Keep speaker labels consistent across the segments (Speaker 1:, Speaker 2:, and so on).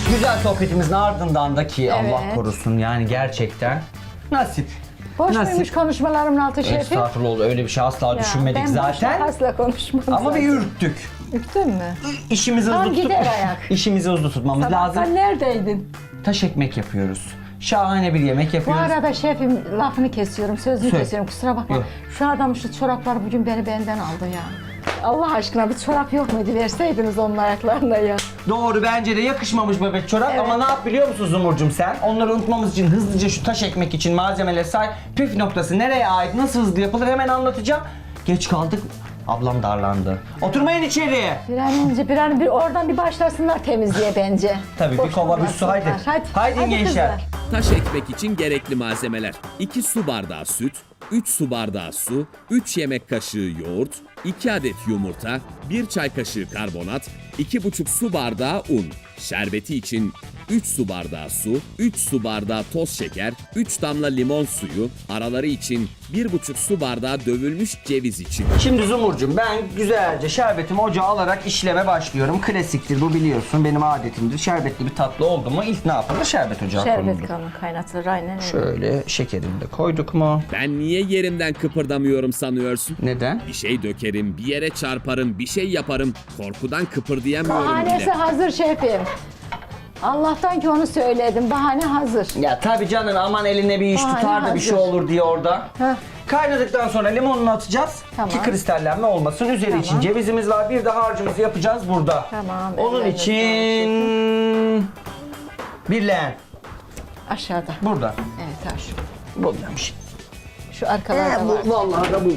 Speaker 1: Güzel sohbetimizin ardından da ki
Speaker 2: Evet.
Speaker 1: Allah korusun yani gerçekten nasip.
Speaker 2: Boş
Speaker 1: Nasip.
Speaker 2: muymuş konuşmalarımın altı şefim?
Speaker 1: Estağfurullah öyle bir şey asla
Speaker 2: Ya,
Speaker 1: düşünmedik
Speaker 2: ben
Speaker 1: zaten.
Speaker 2: boş asla konuşmam
Speaker 1: Ama bir
Speaker 2: zaten.
Speaker 1: ürktük.
Speaker 2: Üktün mü?
Speaker 1: İşimizi
Speaker 2: Tam
Speaker 1: hızlı tutup
Speaker 2: gider ayak.
Speaker 1: işimizi hızlı tutmamız lazım.
Speaker 2: Sabahtan neredeydin?
Speaker 1: Taş ekmek yapıyoruz. Şahane bir yemek
Speaker 2: Bu
Speaker 1: yapıyoruz.
Speaker 2: arada şefim lafını kesiyorum, sözünü
Speaker 1: Söyle.
Speaker 2: kesiyorum. Kusura bakma.
Speaker 1: Yok.
Speaker 2: Şu adam şu çoraplar bugün beni benden aldı ya. Allah aşkına bir çorap yok muydu? Verseydiniz onun ayaklarına ya.
Speaker 1: Doğru bence de yakışmamış bebek çorap
Speaker 2: Evet.
Speaker 1: ama ne yap biliyor musun Zumurcuğum sen? Onları unutmamız için hızlıca şu taş ekmek için malzemeleri say. Püf noktası nereye ait, nasıl hızlı yapılır hemen anlatacağım. Geç kaldık. Ablam darlandı. Oturmayın içeriye.
Speaker 2: Bir an önce bir oradan bir başlasınlar temizliğe bence.
Speaker 1: Tabii, bir kova, bir su, haydi. Haydi gençler.
Speaker 2: kızlar.
Speaker 3: Taş ekmek için gerekli malzemeler: 2 su bardağı süt, 3 su bardağı su, 3 yemek kaşığı yoğurt, 2 adet yumurta, 1 çay kaşığı karbonat, 2,5 su bardağı un. Şerbeti için 3 su bardağı su, 3 su bardağı toz şeker, 3 damla limon suyu, araları için 1,5 su bardağı dövülmüş ceviz için.
Speaker 1: Şimdi Zumurcuğum ben güzelce şerbetimi ocağa alarak işleme başlıyorum. Klasiktir bu biliyorsun benim adetimdir. Şerbetli bir tatlı oldu mu ilk ne yapılır? Şerbet ocağa
Speaker 2: Şerbet
Speaker 1: konulur.
Speaker 2: kanı kaynatılır aynen öyle.
Speaker 1: Şöyle şekerini de koyduk mu?
Speaker 3: Ben niye yerimden kıpırdamıyorum sanıyorsun?
Speaker 1: Neden?
Speaker 3: Bir şey dökerim, bir yere çarparım, bir şey yaparım. Korkudan kıpırdayamıyorum
Speaker 2: Bahanesi
Speaker 3: bile.
Speaker 2: hazır şefim. Allah'tan ki onu söyledim. Bahane hazır.
Speaker 1: Ya tabii canım aman eline bir iş
Speaker 2: Bahane
Speaker 1: tutar da bir şey
Speaker 2: hazır.
Speaker 1: olur diye orada.
Speaker 2: Heh.
Speaker 1: Kaynadıktan sonra limonunu atacağız
Speaker 2: Tamam.
Speaker 1: ki kristallenme olmasın. Üzeri
Speaker 2: Tamam.
Speaker 1: için cevizimiz var. Bir de harcımızı yapacağız burada.
Speaker 2: Tamam,
Speaker 1: Onun
Speaker 2: ellerine
Speaker 1: için bir leğen
Speaker 2: Aşağıda.
Speaker 1: burada.
Speaker 2: Evet aşağı.
Speaker 1: Buradaymış.
Speaker 2: Şu arkalarda var.
Speaker 1: Vallahi da bu.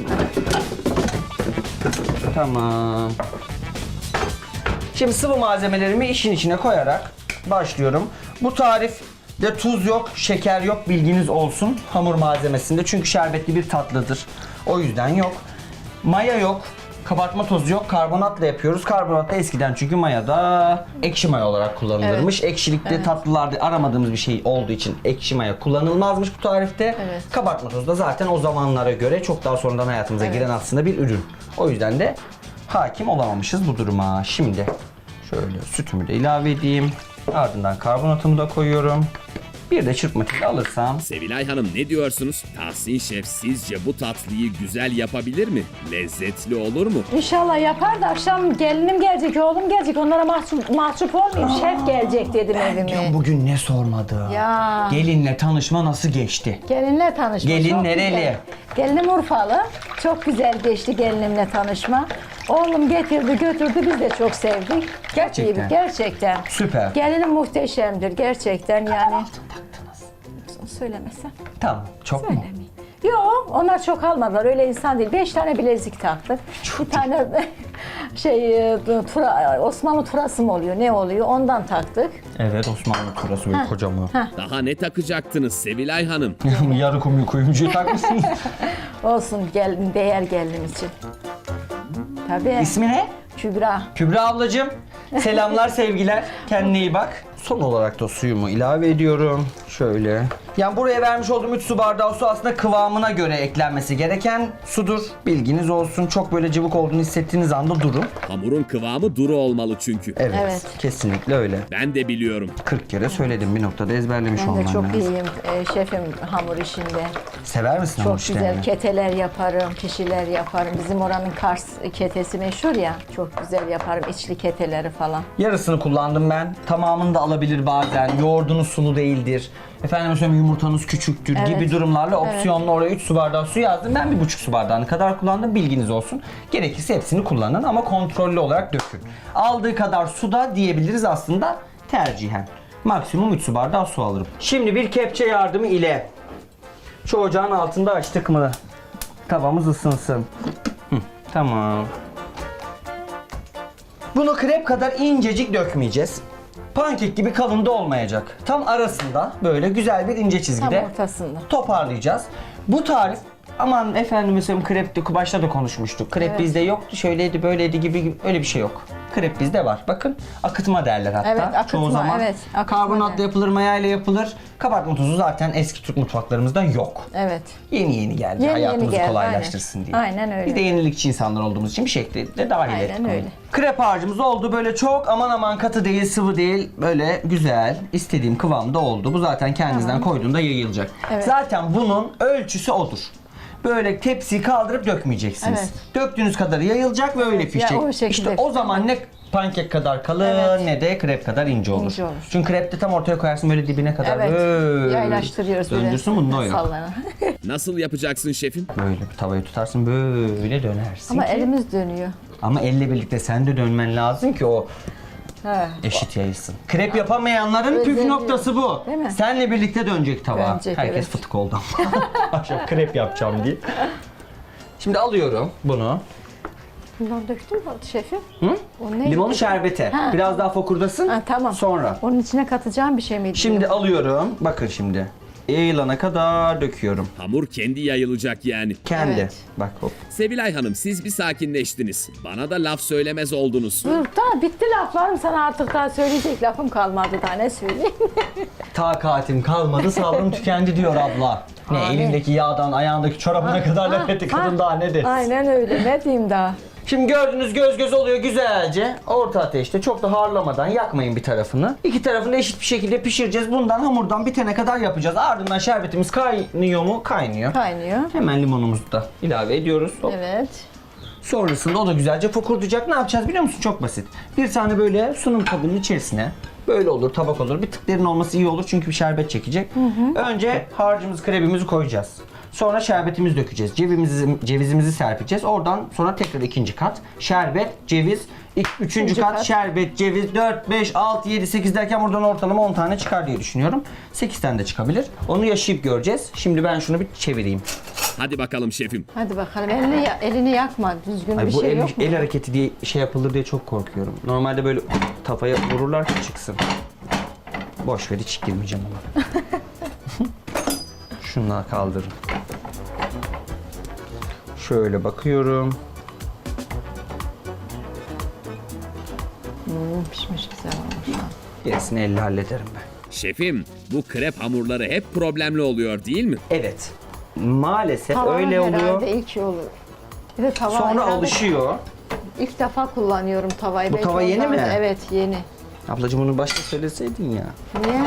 Speaker 1: Tamam. Şimdi sıvı malzemelerimi işin içine koyarak başlıyorum. Bu tarifte tuz yok, şeker yok bilginiz olsun hamur malzemesinde. Çünkü şerbetli bir tatlıdır. O yüzden yok. Maya yok. Kabartma tozu yok. Karbonatla yapıyoruz. Karbonat da eskiden çünkü mayada ekşi maya olarak kullanılırmış. Ekşilikte tatlılarda aramadığımız bir şey olduğu için ekşi maya kullanılmazmış bu tarifte.
Speaker 2: Evet.
Speaker 1: Kabartma tozu da zaten o zamanlara göre çok daha sonradan hayatımıza giren aslında bir ürün. O yüzden de hakim olamamışız bu duruma. Şimdi şöyle sütümü de ilave edeyim. Ardından karbonatımı da koyuyorum. Bir de çırpma teli alırsam.
Speaker 3: Sevilay Hanım ne diyorsunuz? Tahsin Şef sizce bu tatlıyı güzel yapabilir mi? Lezzetli olur mu?
Speaker 2: İnşallah yapar da akşam gelinim gelecek, oğlum gelecek. Onlara mahcup olmayayım. Şef gelecek dedim evime.
Speaker 1: Bugün ne sormadı?
Speaker 2: Ya.
Speaker 1: Gelinle tanışma nasıl geçti?
Speaker 2: Gelinle tanışma.
Speaker 1: Gelin
Speaker 2: çok
Speaker 1: nereli?
Speaker 2: güzel. Gelinim Urfalı. Çok güzel geçti gelinimle tanışma. Oğlum getirdi götürdü biz de çok sevdik.
Speaker 1: Gerçekten.
Speaker 2: Gerçekten.
Speaker 1: Süper.
Speaker 2: Gelinim muhteşemdir gerçekten yani. Söylemesem.
Speaker 1: Tamam. Çok mu?
Speaker 2: Söylemeyeyim. Yok onlar çok almadılar öyle insan değil. 5 tane bilezik taktık. Bir tane Osmanlı turası mı oluyor ne oluyor ondan taktık.
Speaker 1: Evet Osmanlı turası böyle kocaman.
Speaker 3: Daha ne takacaktınız Sevilay Hanım?
Speaker 1: Yarı kuyumcuyu takmışsınız.
Speaker 2: Olsun gelin değer gelin için. Tabii.
Speaker 1: İsmi ne?
Speaker 2: Kübra.
Speaker 1: Kübra ablacığım. Selamlar sevgiler. Kendine iyi bak. Son olarak da suyumu ilave ediyorum. Şöyle. Yani buraya vermiş olduğum 3 su bardağı su aslında kıvamına göre eklenmesi gereken sudur. Bilginiz olsun. Çok böyle cıvık olduğunu hissettiğiniz anda durun.
Speaker 3: Hamurun kıvamı duru olmalı çünkü.
Speaker 1: Evet.
Speaker 2: Evet.
Speaker 1: Kesinlikle öyle.
Speaker 3: Ben de biliyorum.
Speaker 1: 40 kere söyledim bir noktada ezberlemiş
Speaker 2: Ben de
Speaker 1: olman
Speaker 2: çok
Speaker 1: lazım.
Speaker 2: iyiyim şefim hamur işinde.
Speaker 1: Sever misin hamur
Speaker 2: Çok güzel
Speaker 1: işlerini?
Speaker 2: keteler yaparım, pişiler yaparım. Bizim oranın Kars ketesi meşhur ya. Çok güzel yaparım içli keteleri falan.
Speaker 1: Yarısını kullandım ben. Tamamını da alabilir bazen. Yoğurdunuz sulu değildir. Efendim söyleyeyim yumurtanız küçüktür
Speaker 2: Evet.
Speaker 1: gibi durumlarla opsiyonlu oraya 3 su bardağı su yazdım. Ben 1,5 su bardağını kadar kullandım. Bilginiz olsun. Gerekirse hepsini kullanın ama kontrollü olarak dökün. Aldığı kadar su da diyebiliriz aslında tercihen. Maksimum 3 su bardağı su alırım. Şimdi bir kepçe yardımı ile şu ocağın altında açtık mı? Tavamız ısınsın. Tamam. Bunu krep kadar incecik dökmeyeceğiz. Pankek gibi kalın da olmayacak. Tam arasında böyle güzel bir ince çizgide
Speaker 2: Tam ortasında.
Speaker 1: toparlayacağız. Bu tarif aman efendim mesela krep başta da konuşmuştuk. Krep
Speaker 2: Evet.
Speaker 1: bizde yoktu, şöyleydi, böyleydi gibi öyle bir şey yok. Krep bizde var. Bakın akıtma derler hatta.
Speaker 2: Evet, akıtma,
Speaker 1: çoğu zaman.
Speaker 2: evet, akıtma
Speaker 1: Karbonatla
Speaker 2: der.
Speaker 1: yapılır, mayayla yapılır. Kabartma tozu zaten eski Türk mutfaklarımızda yok.
Speaker 2: Evet.
Speaker 1: Yeni geldi.
Speaker 2: Yeni
Speaker 1: Hayatımızı
Speaker 2: geldi,
Speaker 1: kolaylaştırsın diye.
Speaker 2: Aynen öyle.
Speaker 1: Biz de yenilikçi insanlar olduğumuz için bir şekilde dahil
Speaker 2: Aynen
Speaker 1: ettik onu.
Speaker 2: öyle.
Speaker 1: Krep harcımız oldu. Böyle çok aman katı değil, sıvı değil. Böyle güzel, istediğim kıvamda oldu. Bu zaten kendinizden koyduğunda yayılacak.
Speaker 2: Evet.
Speaker 1: Zaten bunun ölçüsü odur. Böyle tepsiyi kaldırıp dökmeyeceksiniz.
Speaker 2: Evet.
Speaker 1: Döktüğünüz kadar yayılacak ve öyle pişecek.
Speaker 2: o şekilde
Speaker 1: İşte o zaman ne pankek kadar kalın
Speaker 2: Evet.
Speaker 1: ne de krep kadar ince olur.
Speaker 2: İnce olur.
Speaker 1: Çünkü krepte tam ortaya koyarsın böyle dibine kadar
Speaker 2: Evet.
Speaker 1: böyle
Speaker 2: Yaylaştırıyoruz böyle.
Speaker 1: döndürsün, bunda o yok.
Speaker 2: Sallanan.
Speaker 3: Nasıl yapacaksın şefim?
Speaker 1: Böyle bir tavayı tutarsın böyle dönersin.
Speaker 2: Ama
Speaker 1: ki-
Speaker 2: elimiz dönüyor.
Speaker 1: Ama elle birlikte sen de dönmen lazım ki o
Speaker 2: He.
Speaker 1: eşit yayılsın. Krep yapamayanların püf
Speaker 2: Özelliği.
Speaker 1: noktası bu.
Speaker 2: Değil mi?
Speaker 1: Senle birlikte dönecek tava.
Speaker 2: Dönecek,
Speaker 1: Herkes
Speaker 2: evet.
Speaker 1: fıtık oldu ama. Akşam krep yapacağım diye. Şimdi alıyorum bunu.
Speaker 2: Bundan döktün mü şefim?
Speaker 1: Hı?
Speaker 2: O ne?
Speaker 1: Limonu şerbete.
Speaker 2: Ha.
Speaker 1: Biraz daha fokurdasın.
Speaker 2: Ha, tamam.
Speaker 1: Sonra.
Speaker 2: Onun içine katacağım bir şey miydi?
Speaker 1: Şimdi alıyorum. Bakın şimdi. Yayılana kadar döküyorum.
Speaker 3: Hamur kendi yayılacak yani.
Speaker 1: Kendi.
Speaker 2: Evet.
Speaker 1: Bak hop.
Speaker 3: Sevilay Hanım siz bir sakinleştiniz. Bana da laf söylemez oldunuz.
Speaker 2: Dur tamam bitti laflarım, sana artık daha söyleyecek lafım kalmadı, daha ne söyleyeyim.
Speaker 1: Takatim kalmadı, sabrım tükendi diyor abla. Ne
Speaker 2: Abi.
Speaker 1: elindeki yağdan ayağındaki çorabına kadar laf etti kadın, daha ne desin.
Speaker 2: Aynen öyle, ne diyeyim daha.
Speaker 1: Şimdi gördüğünüz göz oluyor güzelce. Orta ateşte çok da harlamadan yakmayın bir tarafını. İki tarafını eşit bir şekilde pişireceğiz. Bundan hamurdan bitene kadar yapacağız. Ardından şerbetimiz kaynıyor mu? Kaynıyor.
Speaker 2: Kaynıyor.
Speaker 1: Hemen limonumuzu da ilave ediyoruz. Hop.
Speaker 2: Evet.
Speaker 1: Sonrasında o da güzelce fokurdayacak. Ne yapacağız biliyor musun? Çok basit. Bir tane böyle sunum kabının içerisine böyle olur, tabak olur. Bir tık derin olması iyi olur çünkü bir şerbet çekecek. Önce harcımızı, krebimizi koyacağız. Sonra şerbetimizi dökeceğiz. Cevizimizi serpeceğiz. Oradan sonra tekrar ikinci kat. Şerbet, ceviz, üçüncü kat,
Speaker 2: kat.
Speaker 1: şerbet, ceviz, 4, 5, 6, 7, 8 derken buradan ortalama 10 tane çıkar diye düşünüyorum. 8 tane de çıkabilir. Onu yaşayıp göreceğiz. Şimdi ben şunu bir çevireyim.
Speaker 3: Hadi bakalım şefim.
Speaker 2: Hadi bakalım, elini yakma, düzgün
Speaker 1: Ay,
Speaker 2: bir
Speaker 1: bu
Speaker 2: şey
Speaker 1: el,
Speaker 2: yok mu?
Speaker 1: el hareketi diye şey yapılır diye çok korkuyorum. Normalde böyle tavaya vururlar ki çıksın. Boş ver, hiç girmeyeceğim ona. Şunları kaldırın. Şöyle bakıyorum.
Speaker 2: Pişmiş, güzel olmuş.
Speaker 1: Gerisini elle hallederim ben.
Speaker 3: Şefim bu krep hamurları hep problemli oluyor değil mi?
Speaker 1: Evet. Maalesef
Speaker 2: Tava
Speaker 1: öyle oluyor.
Speaker 2: herhalde ilk olur. Bir de tava
Speaker 1: Sonra
Speaker 2: herhalde
Speaker 1: alışıyor.
Speaker 2: İlk defa kullanıyorum tavayı.
Speaker 1: Bu
Speaker 2: Belki
Speaker 1: tava yeni
Speaker 2: ondan
Speaker 1: mi?
Speaker 2: da- Evet, yeni.
Speaker 1: Ablacığım onu başta söyleseydin ya.
Speaker 2: Niye?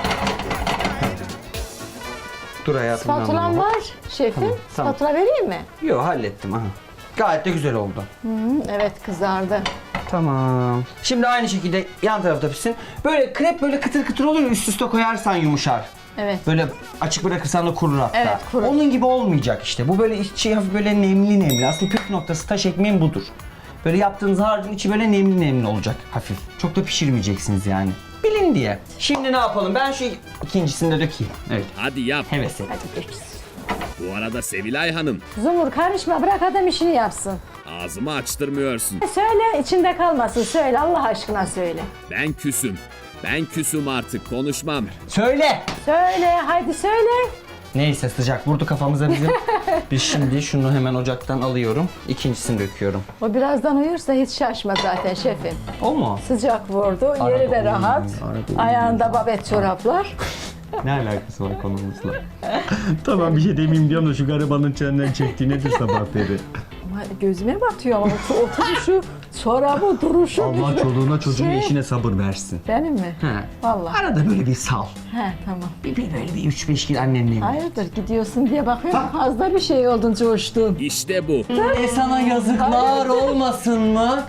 Speaker 1: Dur hayatım.
Speaker 2: Spatulam var şefim.
Speaker 1: Tamam.
Speaker 2: Spatula vereyim mi?
Speaker 1: Yok, hallettim. Aha. Gayet de güzel oldu.
Speaker 2: Evet, kızardı.
Speaker 1: Tamam. Şimdi aynı şekilde yan tarafta pişsin. Böyle krep böyle kıtır kıtır oluyor, üst üste koyarsan yumuşar.
Speaker 2: Evet.
Speaker 1: Böyle açık bırakırsan da kurur hatta.
Speaker 2: Evet, kurur.
Speaker 1: Onun gibi olmayacak işte. Bu böyle içi hafif böyle nemli. Aslında püf noktası taş ekmeğin budur. Böyle yaptığınız harcın içi böyle nemli olacak hafif. Çok da pişirmeyeceksiniz yani. Bilin diye. Şimdi ne yapalım? Ben şu ikincisini de dökeyim. Evet.
Speaker 3: Hadi yap.
Speaker 1: Heves et.
Speaker 2: Hadi geç.
Speaker 3: Bu arada Sevilay Hanım
Speaker 2: Zumur karışma, bırak adam işini yapsın.
Speaker 3: ağzımı açtırmıyorsun.
Speaker 2: Söyle, içinde kalmasın, söyle, Allah aşkına söyle.
Speaker 3: Ben küsüm. Ben küsüm artık konuşmam.
Speaker 1: Söyle.
Speaker 2: Söyle, haydi söyle.
Speaker 1: Neyse, sıcak vurdu kafamıza bizim. Biz şimdi şunu hemen ocaktan alıyorum. İkincisini döküyorum.
Speaker 2: O birazdan uyursa hiç şaşma zaten şefim.
Speaker 1: O mu?
Speaker 2: Sıcak vurdu,
Speaker 1: Arada
Speaker 2: yeri de
Speaker 1: uyuyor,
Speaker 2: rahat.
Speaker 1: arada uyuyor.
Speaker 2: Ayağında babet çoraplar.
Speaker 1: Ne alakası var konumuzla? Tamam, bir şey demeyeyim diyorum da şu garibanın çeninden çektiği nedir sabah beri?
Speaker 2: Ama gözüme batıyor ama oturuşu, çorabı, duruşu.
Speaker 1: Allah çoluğuna çocuğuna
Speaker 2: Şey-
Speaker 1: eşine sabır versin.
Speaker 2: Benim mi?
Speaker 1: He.
Speaker 2: Vallahi.
Speaker 1: Arada böyle bir sal.
Speaker 2: He, tamam.
Speaker 1: Bir böyle bir 3-5 gün annenle evlen.
Speaker 2: Hayırdır, gidiyorsun diye bakıyorum, fazla bir şey oldun, coştun.
Speaker 3: İşte bu.
Speaker 1: Sana yazıklar olmasın mı?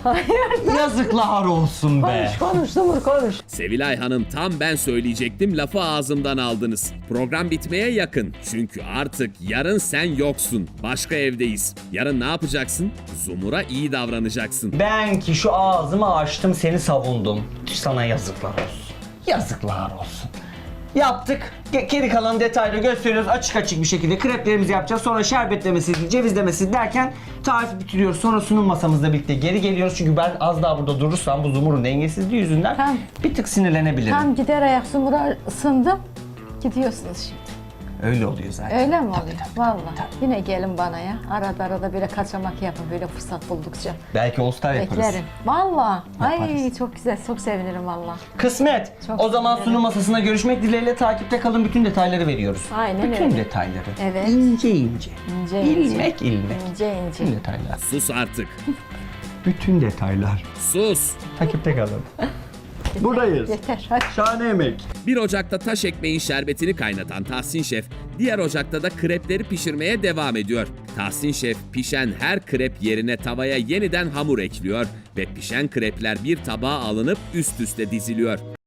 Speaker 1: Yazıklar olsun be.
Speaker 2: Konuş Zumur, konuş.
Speaker 3: Sevilay Hanım tam ben söyleyecektim lafı ağzımdan aldınız. Program bitmeye yakın. Çünkü artık yarın sen yoksun. Başka evdeyiz. Yarın ne yapacaksın? Zumur'a iyi davranacaksın.
Speaker 1: Ben ki şu ağzımı açtım, seni savundum. Sana yazıklar olsun. Yazıklar olsun. Yaptık. Geri kalan detayları gösteriyoruz açık bir şekilde. Kreplerimizi yapacağız. Sonra şerbetlemesi, cevizlemesi derken tarifi bitiriyoruz. Sonra sunum masamızla birlikte geri geliyoruz. Çünkü ben az daha burada durursam bu Zumur'un dengesizliği yüzünden
Speaker 2: Tamam.
Speaker 1: bir tık sinirlenebilirim.
Speaker 2: Tam gider ayak Zumur'a ısındım. Gidiyorsunuz şimdi.
Speaker 1: Öyle oluyor zaten.
Speaker 2: Öyle mi oluyor? Vallahi. Yine gelin bana ya. Arada böyle kaçamak yapın böyle fırsat buldukça.
Speaker 1: Belki All Star yaparız.
Speaker 2: Beklerim. Vallahi. Ay
Speaker 1: Yaparız.
Speaker 2: çok güzel. Çok sevinirim vallahi.
Speaker 1: Kısmet.
Speaker 2: Çok
Speaker 1: O zaman
Speaker 2: sevinirim.
Speaker 1: sunum masasına görüşmek dileğiyle, takipte kalın, bütün detayları veriyoruz.
Speaker 2: Aynen
Speaker 1: bütün
Speaker 2: öyle.
Speaker 1: detayları.
Speaker 2: Evet.
Speaker 1: İnce ince.
Speaker 2: İnce ince.
Speaker 1: İlmek ilmek.
Speaker 2: İnce
Speaker 1: Bütün
Speaker 2: ince.
Speaker 1: detaylar.
Speaker 3: Sus artık.
Speaker 1: Bütün detaylar.
Speaker 3: Sus.
Speaker 1: Takipte kalın. Buradayız.
Speaker 2: Yeter. Hadi.
Speaker 1: Şahane yemek.
Speaker 3: Bir ocakta taş ekmeğin şerbetini kaynatan Tahsin Şef, diğer ocakta da krepleri pişirmeye devam ediyor. Tahsin Şef pişen her krep yerine tavaya yeniden hamur ekliyor ve pişen krepler bir tabağa alınıp üst üste diziliyor.